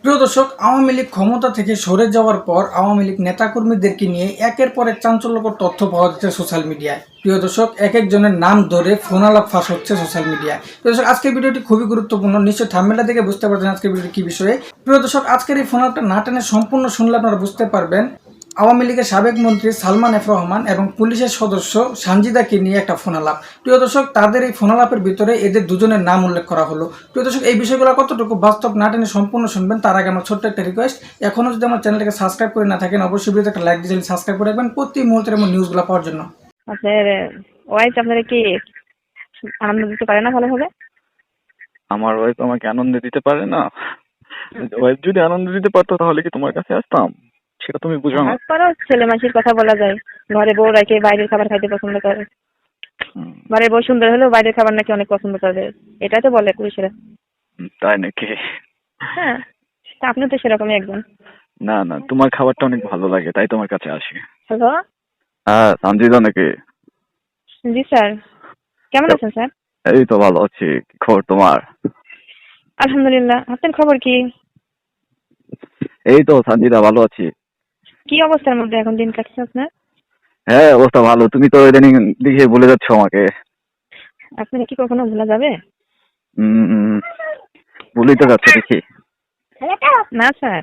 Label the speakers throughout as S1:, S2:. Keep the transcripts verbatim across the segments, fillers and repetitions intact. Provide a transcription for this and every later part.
S1: প্রিয় দর্শক, আওয়ামী লীগ ক্ষমতা থেকে সরে যাওয়ার পর আওয়ামী লীগ নেতাকর্মীদেরকে নিয়ে একের পর এক চাঞ্চল্যকর তথ্য পাওয়া যাচ্ছে সোশ্যাল মিডিয়ায়। প্রিয় দর্শক, এক একজনের নাম ধরে ফোন আলাপ ফাঁস হচ্ছে সোশ্যাল মিডিয়ায়। প্রিয় দর্শক, আজকের ভিডিওটি খুবই গুরুত্বপূর্ণ। নিশ্চয়ই থাম্বনেলটা দেখে বুঝতে পারছেন আজকের ভিডিওটি কি বিষয়ে। প্রিয় দর্শক, আজকের এই ফোন আলাপটা না টেনে সম্পূর্ণ শুনলে আপনারা বুঝতে পারবেন আওয়ামী লীগের সাবেক মন্ত্রী সালমান এফ রহমান এবং পুলিশের সদস্য সানজিদাকে নিয়ে একটা ফোন আলাপ। প্রিয় দর্শক, তাদের এই ফোন আলাপের ভিতরে এদের দুজনের নাম উল্লেখ করা হলো। প্রিয় দর্শক, এই বিষয়গুলো কতটুকু বাস্তব না টেনে সম্পূর্ণ শুনবেন তার আগে আমার ছোট্ট একটা রিকোয়েস্ট, এখনও যদি আমার চ্যানেলটাকে সাবস্ক্রাইব করে না থাকেন অবশ্যই ভিডিওতে একটা লাইক দিয়ে সাবস্ক্রাইব করে রাখবেন প্রতি মুহূর্তের এমন নিউজগুলো পাওয়ার জন্য।
S2: আপনার ওয়াইফ আপনারা কি আনন্দ দিতে পারে না ভালোভাবে?
S3: আমার ওয়াইফ আমাকে আনন্দ দিতে পারে না। ওয়াইফ যদি আনন্দ দিতে পারতো তাহলে কি তোমার কাছে আসতাম? সেটা তুমি বুঝো না।
S2: তারপরও ছেলে মাসির কথা বলা যায়, ঘরে বউ রেখে বাইরের খাবার খাইতে পছন্দ করে। ঘরের বউ সুন্দর হলেও বাইরের খাবার নাকি অনেক পছন্দ করে, এটাই তো বলে পুরুষেরা।
S3: তাই নাকি?
S2: হ্যাঁ, তা আপনি তো সেরকমই একজন।
S3: না না, তোমার খাবারটা অনেক ভালো লাগে তাই তোমার কাছে আসি।
S2: হ্যালো।
S3: হ্যাঁ, সঞ্জিদা নাকি?
S2: জি স্যার, কেমন আছেন স্যার?
S3: এই তো ভালো আছি। কি খবর তোমার?
S2: আলহামদুলিল্লাহ। আপনার খবর কি?
S3: এই তো সঞ্জিদা, ভালো আছি।
S2: কি অবস্থার মধ্যে এখন দিন কাটছে আপনার?
S3: হ্যাঁ, অবস্থা ভালো। তুমি তো ইদানিং দেখে বলে যাচ্ছ আমাকে।
S2: আপনার কি কখনো ভোলা যাবে?
S3: হম, বলেই তো যাচ্ছে দেখি।
S2: না স্যার।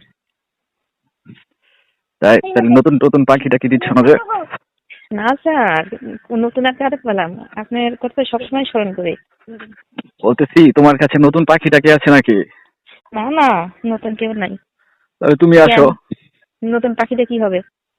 S3: তাই তাহলে নতুন নতুন পাখিটা কি দিচ্ছ না যে?
S2: না স্যার, নতুন একটা আরেক পেলাম, আপনার কথা সবসময় স্মরণ করি।
S3: বলতেছি তোমার কাছে নতুন পাখিটা কি আছে নাকি?
S2: না না, নতুন কেউ নাই।
S3: তাহলে তুমি আসো।
S2: নতুন পাখিটা কি হবে?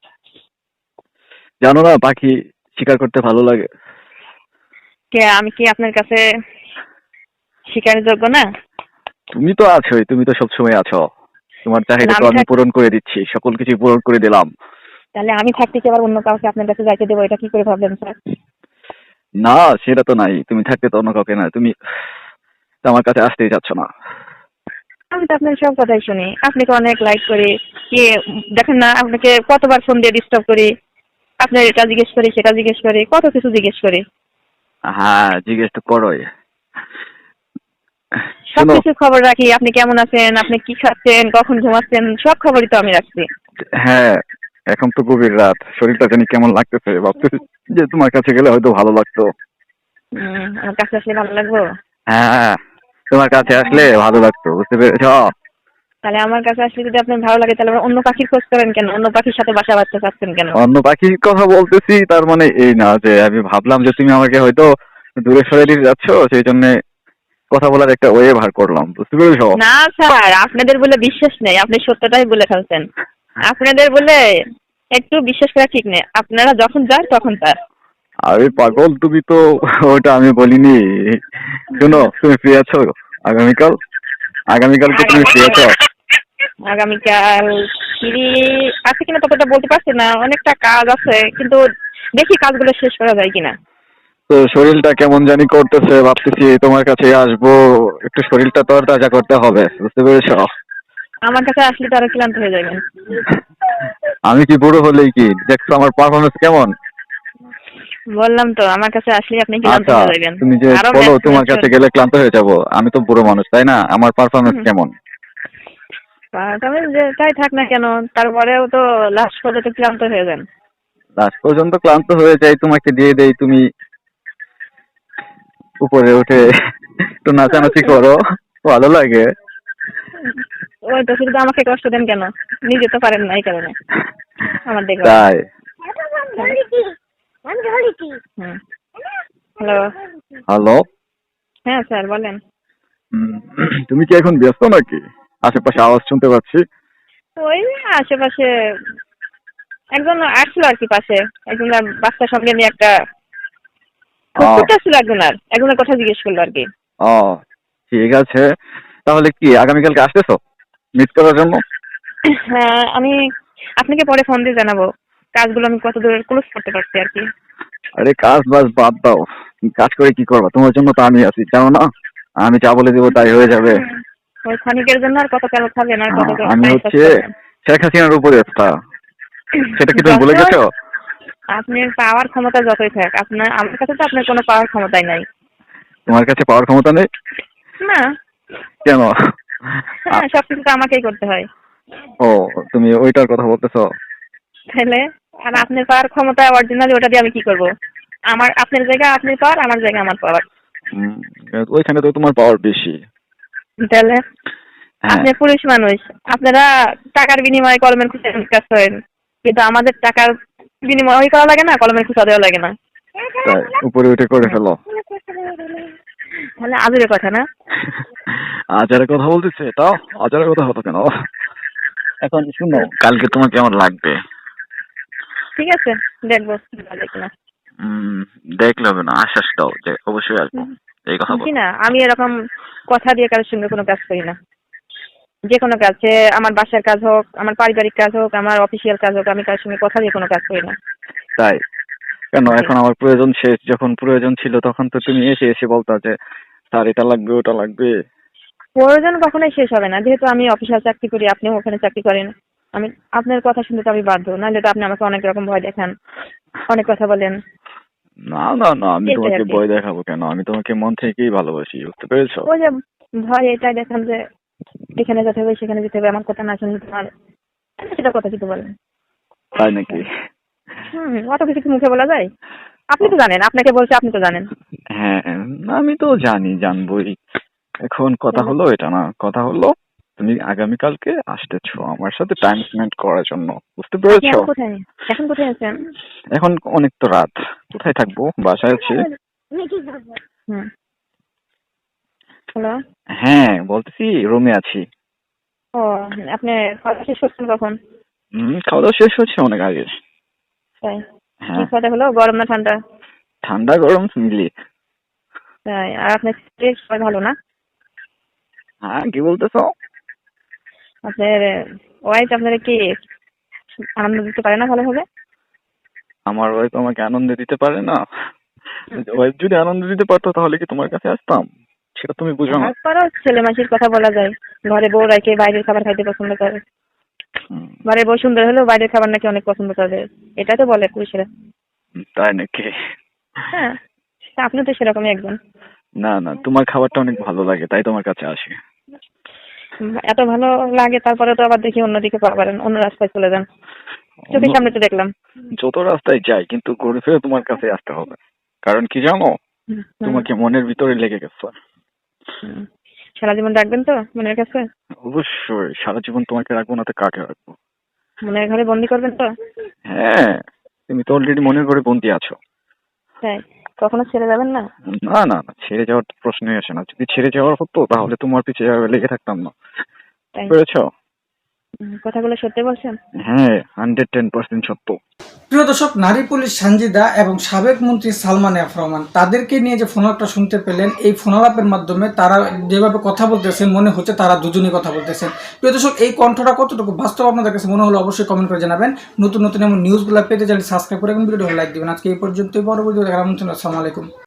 S3: জানো না, পাখি শিকার করতে ভালো লাগে।
S2: কে আমি কি আপনার কাছে শিকারের যোগ্য না?
S3: তুমি তো আছোই, তুমি তো সবসময় আছো। তোমার চাহিদা তো আমি পূরণ করে দিচ্ছি, সকল কিছু পূরণ করে দিলাম।
S2: তাহলে আমি থাকতে কি আবার অন্য কাউকে আপনার কাছে যাইতে দেবো, এটা কি করে ভাবলেন স্যার?
S3: না, সেটা তো নাই। তুমি থাকতে তো অন্য কাউকে না, তুমি তো আমার কাছে আসতেই চাচ্ছ না।
S2: আমি তো আপনার সব কথাই শুনি, আপনাকে অনেক লাইক করি, কি দেখেন না আপনাকে কতবার ফোন দিয়ে ডিস্টার্ব করি, আপনার এটা জিজ্ঞেস করি সেটা জিজ্ঞেস করি, কত কিছু জিজ্ঞেস করি।
S3: হ্যাঁ, জিজ্ঞেস তো করোই।
S2: সবকিছু খবর রাখি, আপনি কেমন আছেন, আপনি কি খাচ্ছেন, কখন ঘুমাচ্ছেন, সব খবরই তো আমি রাখছি।
S3: হ্যাঁ, এখন তো গভীর রাত, শরীরটা জানি কেমন লাগতেছে, ভাবতেছি যে তোমার কাছে গেলে হয়তো ভালো লাগতো।
S2: হম, আমার কাছে আসলে ভালো লাগবো?
S3: হ্যাঁ, তোমার কাছে আসলে ভালো লাগতো, বুঝতে পেরেছ?
S2: তাহলে আমার কাছে আসলে যদি আপনার ভালো লাগে তাহলে অন্য পাখির খোঁজ করেন কেন? অন্য পাখির সাথে বাসা বাঁধতে চাচ্ছেন কেন?
S3: অন্য পাখির কথা বলতেছি তার মানে এই না যে আমি ভাবলাম যে তুমি আমাকে হয়তো দূরে সরে দিতে যাচ্ছ, সেই জন্য কথা বলার একটা ওয়ে ভার করলাম, বুঝতে পেরেছ?
S2: না স্যার, আপনাদের বলে বিশ্বাস নেই, আপনি সত্যটাই বলে ফেলছেন। আপনাদের বলে একটু বিশ্বাস করা ঠিক নেই, আপনারা যখন যান তখন তার।
S3: আরে পাগল, তুমি তো ওটা আমি বলিনি। শোনো, তুমি ফ্রি আছো আগামীকাল? আগামীকাল কি তুমি ফ্রি আছো?
S2: আগামীকাল ফ্রি আছে কিনা ততটা বলতে পারছি না, অনেকটা কাজ আছে, কিন্তু দেখি কাজগুলো শেষ করা যায় কিনা।
S3: তো শরীরটা কেমন জানি করতেছে, ভাবতেছি তোমার কাছে আসবো, একটু শরীরটা তরতাজা করতে হবে, বুঝতে পেরেছ?
S2: আমার কাছে আসলে তো আরো ক্লান্ত হয়ে যাবেন।
S3: আমি কি বুড়ো হলেই কি দেখছো আমার পারফরমেন্স কেমন?
S2: বললাম তো, আমার কাছে আসলে আপনি ক্লান্ত
S3: আচ্ছা,
S2: হয়ে যাবেন।
S3: তুমি যে বলো তোমার কাছে গেলে ক্লান্ত হয়ে যাব, আমি তো বুড়ো মানুষ তাই না? আমার পারফরমেন্স কেমন?
S2: তবে যে তাই থাক না কেন, তারপরেও তো লাস্ট পর্যন্ত ক্লান্ত হয়ে যান।
S3: লাস্ট পর্যন্ত ক্লান্ত হয়ে যাই, তোমাকে দিয়ে দেই, তুমি উপরে উঠে একটু নাচানাচি করো, ভালো লাগে।
S2: ওই তো, শুধু আমাকে কষ্ট দেন কেন? নিজে তো পারেন না, এই কারণে আমার দেখো।
S3: তাই?
S2: হ্যালো।
S3: হ্যালো।
S2: হ্যাঁ স্যার, বলেন।
S3: তুমি কি এখন ব্যস্ত নাকি? আশেপাশে আওয়াজ শুনতে পাচ্ছি।
S2: ওই আশেপাশে একজন আসছিল আর কি, পাশে একজন বাচ্চার সঙ্গে নিয়ে একটা কুকুরটা ছিল, একজন আর একজনের কথা জিজ্ঞেস করলো আর কি।
S3: ও ঠিক আছে, তাহলে কি আগামীকালকে আসতেছো মিট করার জন্য?
S2: হ্যাঁ, আমি আপনাকে পরে ফোন দিয়ে জানাবো কাজগুলো আমি কত দূর ক্লোজ করতে পারছি আর কি।
S3: আরে কাজ বাজ বাদ দাও, কাজ করে কি করবা? তোমার জন্য তো আমি আছি, জানো না? আমি যা বলে দেবো তাই হয়ে যাবে।
S2: ওই ক্ষণিকের জন্য আর কত কাল খাবেন, আর কত
S3: আমি হচ্ছে শেখ হাসিনার উপরে একটা, সেটা কি তুমি ভুলে গেছো?
S2: আপনার পাওয়ার ক্ষমতা যতই থাক, আপনার আমার কাছে তো আপনার কোনো পাওয়ার ক্ষমতাই নাই।
S3: তোমার কাছে পাওয়ার ক্ষমতা নেই?
S2: না।
S3: কেন?
S2: হ্যাঁ, সবকিছু তো আমাকেই করতে হয়।
S3: ও, তুমি ওইটার কথা বলতেছো?
S2: তাহলে আর আপনার পাওয়ার ক্ষমতা অরিজিনালি, ওটা দিয়ে আমি কি করব? আমার আপনার জায়গা আপনার পাওয়ার, আমার জায়গা আমার পাওয়ার।
S3: উম, ওইখানে তো তোমার পাওয়ার বেশি।
S2: তাহলে
S3: হ্যাঁ,
S2: আপনি পুরুষ মানুষ, আপনারা টাকার বিনিময়ে কলমের খুঁজে কাজ করেন, কিন্তু আমাদের টাকার বিনিময় করা লাগে না, কলমের খুঁজা দেওয়া লাগে না।
S3: তাই উপরে উঠে করে ফেলো।
S2: তাহলে আজুরে কথা না?
S3: আজারের কথা বলতেছে, তাও আজারের কথা হতো কেন? এখন শুনো, কালকে তোমার কেমন লাগবে?
S2: ঠিক আছে, দেখবো ভালো কিনা।
S3: উম, দেখলে হবে না, আশ্বাস দাও যে অবশ্যই আসবো, এই কথা
S2: জি
S3: বলো।
S2: না, আমি এরকম কথা দিয়ে কারোর সঙ্গে কোনো কাজ করি না। যে কোনো কাজ, সে আমার বাসার কাজ হোক, আমার পারিবারিক কাজ হোক, আমার অফিসিয়াল কাজ হোক, আমি কারোর সঙ্গে কথা দিয়ে কোনো কাজ করি না।
S3: তাই কেন?
S2: জি।
S3: এখন আমার প্রয়োজন শেষ, যখন প্রয়োজন ছিল তখন তো তুমি এসে এসে বলতা যে স্যার এটা লাগবে ওটা লাগবে।
S2: প্রয়োজন কখনোই শেষ হবে না, যেহেতু আমি অফিসিয়াল চাকরি করি, আপনিও ওখানে চাকরি করেন। আমি আপনার কথা শুনতে তো আমি বাধ্য, নাহলে তো আপনি আমাকে অনেক রকম ভয় দেখান, অনেক কথা বলেন।
S3: না না না, আমি
S2: এটাই
S3: তোমাকে
S2: আর কি।
S3: ভয় দেখাবো কেন? আমি তোমাকে মন থেকেই ভালোবাসি, বুঝতে পেরেছো?
S2: ওই যে ভয় এটাই দেখান যে এখানে যেতে হবে সেখানে যেতে হবে, আমার কথা না শুনলে তোমার সেটা কথা কিন্তু বলেন।
S3: তাই নাকি?
S2: হুম, অত কিছু কি মুখে বলা যায়? আপনি তো জানেন, আপনাকে বলছে, আপনি তো জানেন।
S3: হ্যাঁ, আমি তো জানি, জানবোই। এখন কথা হলো এটা না, কথা হলো তুমি আগামীকালকে আসতেছো আমার সাথে টাইম স্পেন্ড করার জন্য, বুঝতে
S2: আপনি
S3: পেরেছো?
S2: এখন কোথায়? এখন কোথায় আছেন?
S3: এখন অনেক তো রাত, কোথায় থাকবো? বাসায় আছি।
S2: হুম। হ্যালো।
S3: হ্যাঁ, বলতেছি রুমে আছি।
S2: ও, আপনি খাওয়া শেষ করছেন কখন?
S3: হম, খাওয়া দাওয়া শেষ হচ্ছে অনেক আগে।
S2: তাই? কি
S3: হ্যাঁ,
S2: খাওয়া হলো, গরম না ঠান্ডা?
S3: ঠান্ডা গরম মিলিয়ে।
S2: তাই? আর আপনার স্ত্রী সবাই ভালো না?
S3: হ্যাঁ, কি বলতেছো?
S2: আপনার ওয়াইফ আপনারা কি আনন্দ দিতে পারে না ভালোভাবে?
S3: আমার ওয়াইফ আমাকে আনন্দ দিতে পারে না? ওয়াইফ যদি আনন্দ দিতে পারতো তাহলে কি তোমার কাছে আসতাম? সেটা তুমি বুঝো না।
S2: তারপরও ছেলে মাসির কথা বলা যায়, ঘরে বউ রেখে বাইরের খাবার খাইতে পছন্দ করে।
S3: হুম,
S2: ঘরে বউ সুন্দর হলেও বাইরের খাবার নাকি অনেক পছন্দ করে, এটা তো বলে পুরুষেরা।
S3: তাই নাকি?
S2: হ্যাঁ, তা আপনি তো সেরকমই একজন।
S3: না না, তোমার খাবারটা অনেক ভালো লাগে তাই তোমার কাছে আসি।
S2: উম, এত ভালো লাগে, তারপরে তো আবার দেখি অন্যদিকে পারেন, অন্য রাস্তায় চলে যান। চোখের
S3: অন্য-
S2: সামনে তো দেখলাম।
S3: যত রাস্তায় যাই কিন্তু ঘুরে ফিরে তোমার কাছে আসতে হবে, কারণ কি জানো,
S2: হুম, হুম,
S3: তোমাকে মনের ভিতরে লেগে গেছে।
S2: হুম। সারা জীবন রাখবেন তো মনের কাছে?
S3: অবশ্যই, সারা জীবন তোমাকে রাখবো না তো কাকে রাখবো?
S2: মনের ঘরে বন্দি করবেন তো?
S3: হ্যাঁ, তুমি তো অলরেডি মনের ঘরে বন্দি আছো।
S2: তাই? কখনো ছেড়ে যাবেন না?
S3: না না না, ছেড়ে যাওয়ার তো প্রশ্নই আসে না। যদি ছেড়ে যাওয়ার হতো তাহলে তোমার পিছে এভাবে লেগে থাকতাম না,
S2: তাই?
S3: পেরেছো?
S2: হুম, কথাগুলো সত্যি বলছেন?
S3: হ্যাঁ, হান্ড্রেড টেন পার্সেন্ট সত্য।
S1: প্রিয় দর্শক, নারী পুলিশ সানজিদা এবং সাবেক মন্ত্রী সালমান এফ রহমান তাদেরকে নিয়ে যে ফোনালাপটা শুনতে পেলেন, এই ফোনালাপের মাধ্যমে তারা যেভাবে কথা বলতেছেন মনে হচ্ছে তারা দুজনেই কথা বলতেছেন। প্রিয় দর্শক, এই কণ্ঠটা কতটুকু বাস্তব আপনাদের কাছে মনে হলো অবশ্যই কমেন্ট করে জানাবেন। নতুন নতুন এমন নিউজগুলো পেতে চাইলে সাবস্ক্রাইব করে ভিডিওটি লাইক দিবেন। আজকে এই পর্যন্তই, পরবর্তী দেখার আমন্ত্রণ। আসসালামু আলাইকুম।